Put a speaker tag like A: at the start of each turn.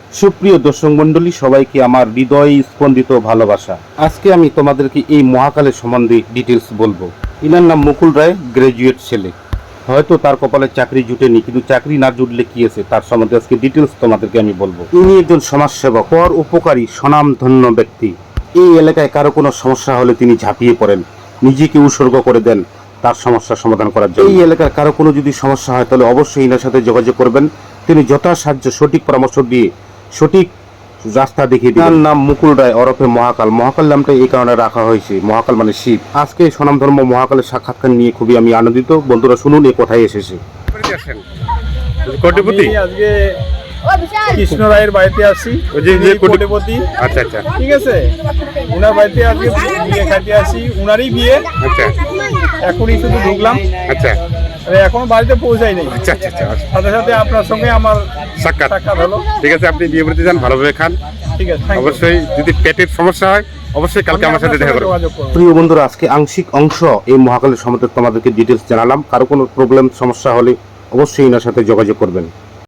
A: সুপ্রিয় দর্শক মণ্ডলী, সবাইকে আমার হৃদয় স্পন্দিত ভালোবাসা। আজকে আমি তোমাদেরকে এই মহাকালের সম্বন্ধে ডিটেলস বলবো। ইনার নাম মুকুল রায়, গ্রাজুয়েট ছেলে। হয়তো তার কপালে চাকরি জুটেনি, কিন্তু চাকরি না জুটলে কি আছে তার সম্বন্ধে আজকে ডিটেলস তোমাদেরকে আমি বলবো। ইনি একজন সমাজসেবক, পর উপকারী, স্বনামধন্য ব্যক্তি। এই এলাকায় কারো কোনো সমস্যা হলে তিনি ঝাঁপিয়ে পড়েন, নিজেকে উৎসর্গ করে দেন তার সমস্যার সমাধান করার জন্য। এই এলাকার কারো কোনো যদি সমস্যা হয় তাহলে অবশ্যই ইনার সাথে যোগাযোগ করবেন। তিনি যথাসাধ্য সঠিক পরামর্শ দিয়ে সঠিক রাস্তা দেখিয়ে দিন। তার নাম মুকুল রায় ওরফে মহাকাল। মহাকাল নামটা এই কারণে রাখা হয়েছে, মহাকাল মানে শিব। আজকে স্বনামধর্ম মহাকালের সাক্ষাৎকার নিয়ে খুবই আমি আনন্দিত। বন্ধুরা শুনুন এ কোথায় এসেছে।
B: কোটিপতি আজকে কৃষ্ণ রায়ের বাড়িতে আসি, কোটিপতি।
A: আচ্ছা আচ্ছা,
B: ঠিক আছে, উনার বাড়িতে আজকে বিয়ে খাইতে আসি, উনারই বিয়ে।
A: আচ্ছা
B: এখনই শুধু ঢুকলাম,
A: আচ্ছা
B: এখনো বাড়িতে পৌঁছাই নাই।
A: আচ্ছা আচ্ছা আচ্ছা,
B: সাথে সাথে আপনার সঙ্গে আমার
A: সাক্ষাৎ
B: হলো।
A: ঠিক আছে, আপনি বিয়ে বাড়িতে যান, ভালোভাবে খান।
B: ঠিক আছে, thank you।
A: অবশ্যই যদি পেটের সমস্যা হয় অবশ্যই কালকে আমার সাথে দেখা করবেন।
B: যোগাযোগ করবো।
A: প্রিয় বন্ধুরা, আজকে আংশিক অংশ এই মহাকালের সম্বন্ধে তোমাদেরকে ডিটেলস জানালাম। কারো কোনো প্রবলেম সমস্যা হলে অবশ্যই এনার সাথে যোগাযোগ করবেন।